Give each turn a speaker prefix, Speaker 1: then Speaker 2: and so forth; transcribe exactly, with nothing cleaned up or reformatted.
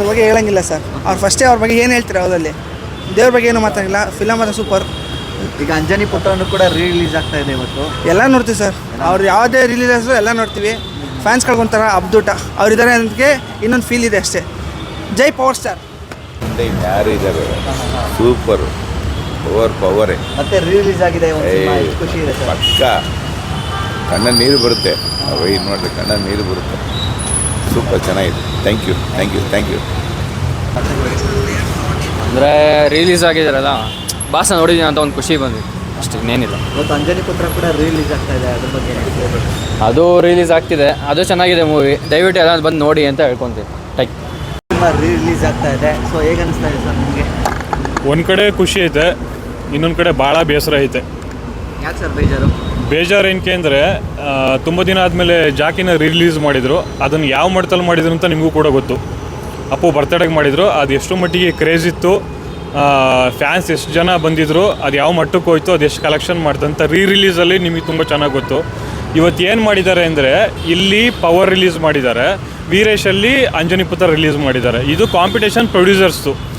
Speaker 1: ಬಗ್ಗೆ ಹೇಳಂಗಿಲ್ಲ ಸರ್. ಅವ್ರು ಫಸ್ಟೇ ಅವ್ರ ಬಗ್ಗೆ ಏನು ಹೇಳ್ತಾರೆ ಅವರಲ್ಲಿ, ದೇವ್ರ ಬಗ್ಗೆ ಏನು ಮಾತಾಡಿಲ್ಲ. ಫಿಲಮ್ ಅದು ಸೂಪರ್.
Speaker 2: ಈಗ ಅಂಜನಿ ಪುಟ್ಟವನ್ನು ಕೂಡ ರೀ ರಿಲೀಸ್ ಆಗ್ತಾ ಇದೆ ಇವತ್ತು.
Speaker 1: ಎಲ್ಲ ನೋಡ್ತೀವಿ ಸರ್. ಅವ್ರು ಯಾವುದೇ ರಿಲೀಸು ಎಲ್ಲ ನೋಡ್ತೀವಿ. ಫ್ಯಾನ್ಸ್ಗಳಿಗೊಂಥರ ಅಬ್ದೂಟ ಅವರಿದ್ದಾರೆ ಅದಕ್ಕೆ ಇನ್ನೊಂದು ಫೀಲ್ ಇದೆ ಅಷ್ಟೇ. ಜೈ ಪವರ್ ಸ್ಟಾರ್.
Speaker 3: ಯಾರು ಇದ್ದಾರೆ ಸೂಪರ್ ಪವರ್ ಪವರೇ.
Speaker 2: ಮತ್ತೆ ರೀ ರಿಲೀಸ್ ಆಗಿದೆ ಒಂದು ಸಿನಿಮಾ, ಎಷ್ಟು ಖುಷಿ ಇದೆ ಸರ್.
Speaker 3: ಪಕ್ಕ ಕಣ್ಣ ನೀರು ಬರುತ್ತೆ ಇದು ನೋಡ್ರಿ, ಕಣ್ಣ ನೀರು ಬರುತ್ತೆ. ಸೂಪರ್ ಚೆನ್ನಾಗಿದೆ. Thank you thank you thank you.
Speaker 4: ಅಂದರೆ ರಿಲೀಸ್ ಆಗಿದ್ದಾರಲ್ಲ, ಭಾಷೆ ನೋಡಿದ್ದೀನಿ ಅಂತ ಒಂದು ಖುಷಿ ಬಂದಿದೆ ಅಷ್ಟೇ, ಇನ್ನೇನಿಲ್ಲ.
Speaker 2: ಇವತ್ತು ಅಂಜನಿ ಪುತ್ರ ಕೂಡ ರೀ ರಿಲೀಸ್ ಆಗ್ತಾ ಇದೆ, ಅದ್ರ ಬಗ್ಗೆ ಏನು ಹೇಳ್ಬೋದು?
Speaker 4: ಅದು ರಿಲೀಸ್ ಆಗ್ತಿದೆ, ಅದು ಚೆನ್ನಾಗಿದೆ ಮೂವಿ. ದಯವಿಟ್ಟು ಎಲ್ಲ ಬಂದು ನೋಡಿ ಅಂತ ಹೇಳ್ಕೊತೀನಿ. ಟೈಕ್
Speaker 2: ಸಿನಿಮಾ ರೀ ರಿಲೀಸ್ ಆಗ್ತಾ ಇದೆ, ಸೊ ಹೇಗೆ ಅನಿಸ್ತಾ ಇದೆ ಸರ್ ನಿಮಗೆ?
Speaker 5: ಒಂದು ಕಡೆ ಖುಷಿ ಐತೆ, ಇನ್ನೊಂದು ಕಡೆ ಭಾಳ ಬೇಸರ ಐತೆ.
Speaker 2: ಯಾಕೆ ಸರ್ ಬೇಜಾರು?
Speaker 5: ಬೇಜಾರು ಏನಕ್ಕೆ ಅಂದರೆ ತುಂಬ ದಿನ ಆದಮೇಲೆ ಜಾಕಿನ ರಿಲೀಸ್ ಮಾಡಿದರು. ಅದನ್ನು ಯಾವ ಮಟ್ಟದಲ್ಲಿ ಮಾಡಿದ್ರು ಅಂತ ನಿಮಗೂ ಕೂಡ ಗೊತ್ತು. ಅಪ್ಪು ಬರ್ತಡೇಗೆ ಮಾಡಿದರು, ಅದು ಎಷ್ಟು ಮಟ್ಟಿಗೆ ಕ್ರೇಜ್ ಇತ್ತು, ಫ್ಯಾನ್ಸ್ ಎಷ್ಟು ಜನ ಬಂದಿದ್ದರು, ಅದು ಯಾವ ಮಟ್ಟಕ್ಕೆ ಹೋಯ್ತು, ಅದು ಎಷ್ಟು ಕಲೆಕ್ಷನ್ ಮಾಡ್ತಂತ ರೀ ರಿಲೀಸಲ್ಲಿ ನಿಮಗೆ ತುಂಬ ಚೆನ್ನಾಗಿ ಗೊತ್ತು. ಇವತ್ತು ಏನು ಮಾಡಿದ್ದಾರೆ ಅಂದರೆ, ಇಲ್ಲಿ ಪವರ್ ರಿಲೀಸ್ ಮಾಡಿದ್ದಾರೆ, ವೀರೇಶಲ್ಲಿ ಅಂಜನಿ ಪುತ್ರ ರಿಲೀಸ್ ಮಾಡಿದ್ದಾರೆ. ಇದು ಕಾಂಪಿಟೇಷನ್ ಪ್ರೊಡ್ಯೂಸರ್ಸ್ದು.